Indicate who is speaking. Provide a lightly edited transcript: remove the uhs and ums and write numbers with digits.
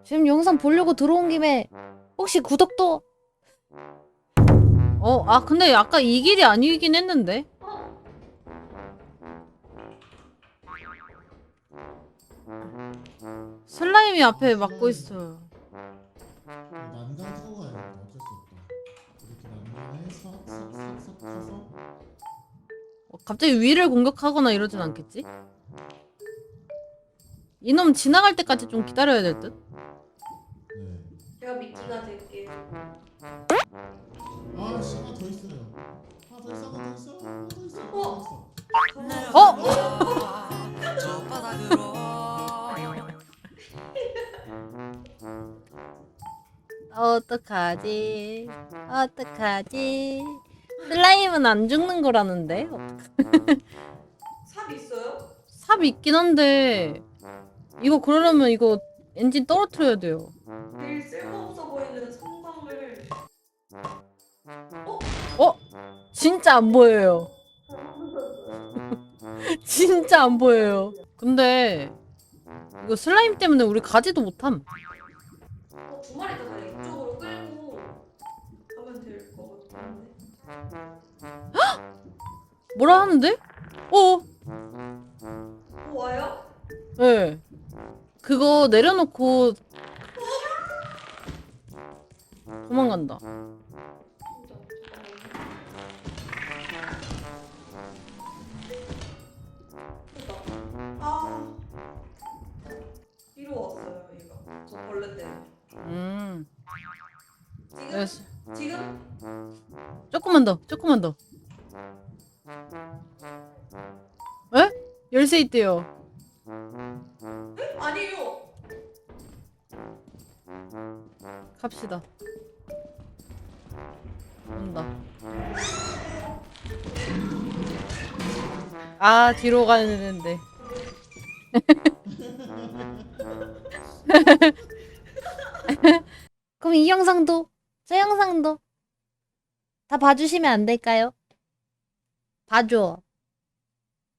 Speaker 1: 지금 영상 보려고 들어온 김에 혹시 구독도. 아 근데 아까 이 길이 아니긴 했는데. 슬라임이 앞에 막고 있어요.
Speaker 2: 난간 타고 가야겠다. 어쩔 수 없다. 이렇게 난간에 싹싹싹싹 타서.
Speaker 1: 갑자기 위를 공격하거나 이러진 않겠지? 이놈 지나갈 때까지 좀 기다려야 될 듯?
Speaker 2: 네.
Speaker 3: 제가 미끼가 될게요.
Speaker 2: 아, 씨, 하나 더 있어요. 하나 더 있어, 하나 더 있어, 하나 더 있어, 하나 더 있어.
Speaker 4: 저 바닥으로
Speaker 1: 어떡하지? 어떡하지? 슬라임은 안 죽는 거라는데?
Speaker 3: 삽 있어요?
Speaker 1: 삽 있긴 한데 이거 그러려면 이거 엔진 떨어뜨려야 돼요.
Speaker 3: 제일 쓸모없어 보이는 성광을.
Speaker 1: 진짜 안 보여요. 진짜 안 보여요. 근데 이거 슬라임 때문에 우리 가지도 못함.
Speaker 3: 두 마리 다 그냥 이쪽으로 끌고 가면 될 것 같은데.
Speaker 1: 뭐라 하는데?
Speaker 3: 와요?
Speaker 1: 네. 그거 내려놓고 도망간다.
Speaker 3: 진짜 잠깐만요. 아, 뒤로 왔어요 얘가. 저 벌레 때문에. 지금?
Speaker 1: 알겠어.
Speaker 3: 지금?
Speaker 1: 조금만 더, 조금만 더. 에? 열쇠 있대요.
Speaker 3: 아니요.
Speaker 1: 갑시다. 온다. 아, 뒤로 가야 되는데. 그럼 이 영상도, 저 영상도 다 봐주시면 안 될까요? 봐줘.